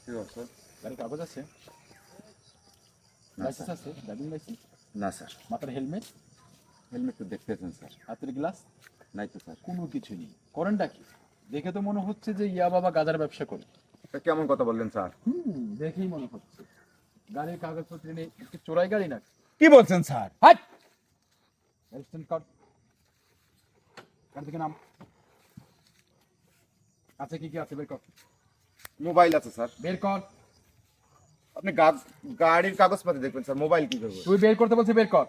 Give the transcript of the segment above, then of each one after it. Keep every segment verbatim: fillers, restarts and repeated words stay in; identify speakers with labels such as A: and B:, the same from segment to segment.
A: কি বলছো?
B: গাড়ির কাগজ আছে?
A: না
B: লাইসেন্স
A: স্যার।
B: আছে? Driving licence?
A: না স্যার।
B: মাথার হেলমেট?
A: হেলমেট তো দেখতেছেন স্যার।
B: হাতের গ্লাস?
A: নাই তো স্যার।
B: কোনো কিছু নেই। করেনটা কি? দেখে তো মনে হচ্ছে যে ইয়া বাবা গাঁজার ব্যবসা করে।
A: তা কেমন কথা বললেন স্যার?
B: হুম, দেখেই মনে হচ্ছে। গাড়ির কাগজপত্র নেই, একটু চোরাই গাড়ি না?
A: কি বলছেন স্যার?
B: হাট! Registration card. গাড়ি থেকে নাম। আছে কি কি আছে বের কর।
A: মোবাইল আছে স্যার।
B: বের কর।
A: আপনি গা- গাড়ির কাগজপাতি দেখবেন স্যার, মোবাইল কি করবো?
B: তুই বের করতে বলছিস, বের কর।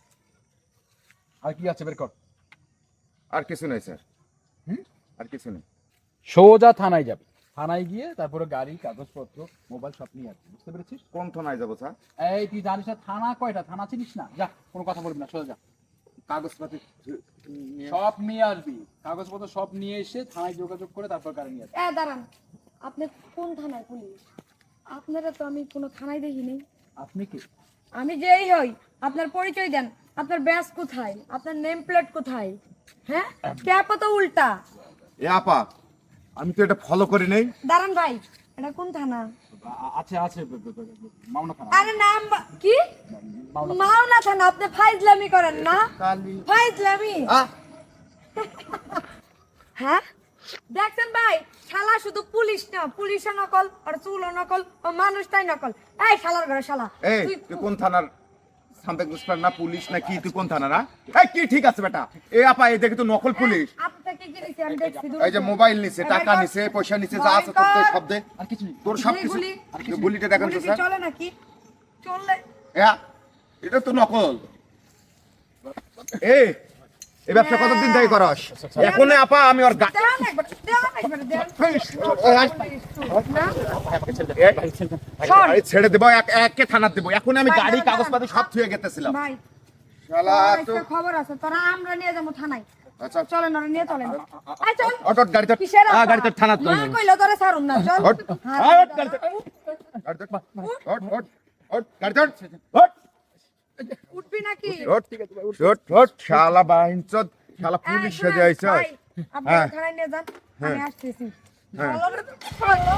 B: আর কি আছে বের কর।
A: আর কিছু নেই স্যার।
B: হুম?
A: আর কিছু নেই।
B: সোজা থানায় যাবে। থানায় গিয়ে তারপরে গাড়ি কাগজপত্র মোবাইল সব নিয়ে আসবে, বুঝতে পেরেছিস?
A: কোন থানায় যাবো স্যার?
B: এই তুই জানিস না থানা কয়টা? থানা চিনিস না? যা, কোনো কথা বলবি না, সোজা যা।
A: কাগজপাতি নিয়ে-
B: সব নিয়ে আসবি, কাগজপত্র সব নিয়ে এসে থানায় যোগাযোগ করে তারপর গাড়ি নিয়ে আসবি।
C: এ দাঁড়ান, আপনি কোন থানায় পুলিশ? আপনারা তো আমি কোনো থানায় দেখিনি।
B: আপনি কি?
C: আমি যেই হই, আপনার পরিচয় দেন। আপনার ব্যাস কোথায়? আপনার নেম প্লেট কোথায়? হ্যাঁ, ট্যাপও তো উল্টা।
A: এ আপা, আমি তো এটা ফলো করি নাই।
C: দাঁড়ান ভাই, এটা কোন থানা?
B: আ- আছে আছে ব- ব- ব- মাওনা থানা।
C: আরে নাম বা- কি?
B: মাওনা থানা।
C: মাওনা থানা। আপনি ফাইজলামি করেন না?
A: কালি
C: ফাইজলামি?
A: আ
C: হ্যাঁ, দেখছেন ভাই, শালা শুধু পুলিশ না, পুলিশও নকল আর চুলও নকল ও মানুষটাই নকল। এই শালার ঘরে শালা,
A: এই
C: তুই
A: তুই কোন থানার সামথিং ইন্সপেক্টর না পুলিশ না কি? তুই কোন থানা না? এই কি ঠিক আছে বেটা? এ আপা এই দেখি তো নকল পুলিশ।
C: আপনাকে কি দিছি আমি দেখছি।
A: এই যে মোবাইল নিছে, টাকা নিছে, পয়সা নিছে, যা আছে তোর তো সব দে।
B: আর কিছু নেই।
A: তোর সব কিছু।
C: গুলি,
A: গুলিটা দেখান তো
C: গুলি কি
A: স্যার।
C: চলে নাকি? চললে
A: হ্যাঁ, এটা তো নকল। এই এই ব্যবসা কতদিন থেকে করস? এখন আপা আমি ওর গা-
C: দেন একবার, দেন একবার, দেন। না?
A: এই,
C: শোন,
A: গাড়ি ছেড়ে দেবো, এক একে থানা দেবো। এখন আমি
C: ভাই,
A: গাড়ি
C: দাঁড়ান,
A: কাগজপাতি সব থুয়ে গেতেছিলাম।
C: ভাই,
A: শালা
C: তোর
A: তো
C: একটা খবর আছে, তোরা আমরা নিয়ে যাবো থানায়।
A: আচ্ছা
C: চলেন, ওরা নিয়ে চলেন। আয় চল।
A: অটো গাড়িতে
C: কিসের
A: আ
C: আশা?
A: গাড়িতে থানা তো
C: না কইলে তোরে ছাড়ুম না, চল।
A: হট।
C: হ্যাঁ,
A: আ, হট, গাড়িতে গাড়িতে হট হট হট গাড়িতে হট
C: উঠবি নাকি?
A: হট হট হট শালা বাইনচোদ, শালা পুলিশ
C: এই,
A: সেজে আইছে।
C: ভাই, আপনি
A: হ্যাঁ।
C: থানায় নিয়ে যান, আমি
A: হ্যাঁ।
C: আসতেছি।
A: হ্যাঁ।
C: চলো, চলো।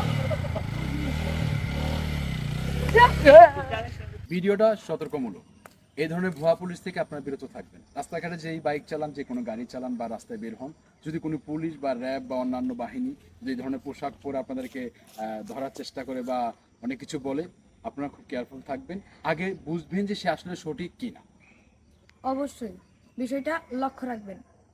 B: ভিডিওটা সতর্কমূলক। এই ধরনের ভুয়া পুলিশ থেকে আপনারা বিরত থাকবেন। রাস্তাঘাটে যেই বাইক চালান, যে কোনো গাড়ি চালান বা রাস্তায় বের হন, যদি কোনো পুলিশ বা র্যাব বা অন্যান্য বাহিনী যে ধরনের পোশাক পরে আপনাদেরকে আহ, ধরার চেষ্টা করে বা অনেক কিছু বলে, আপনারা খুব কেয়ারফুল থাকবেন। আগে বুঝবেন যে সে আসলে সঠিক কিনা।
C: অবশ্যই বিষয়টা লক্ষ্য রাখবেন।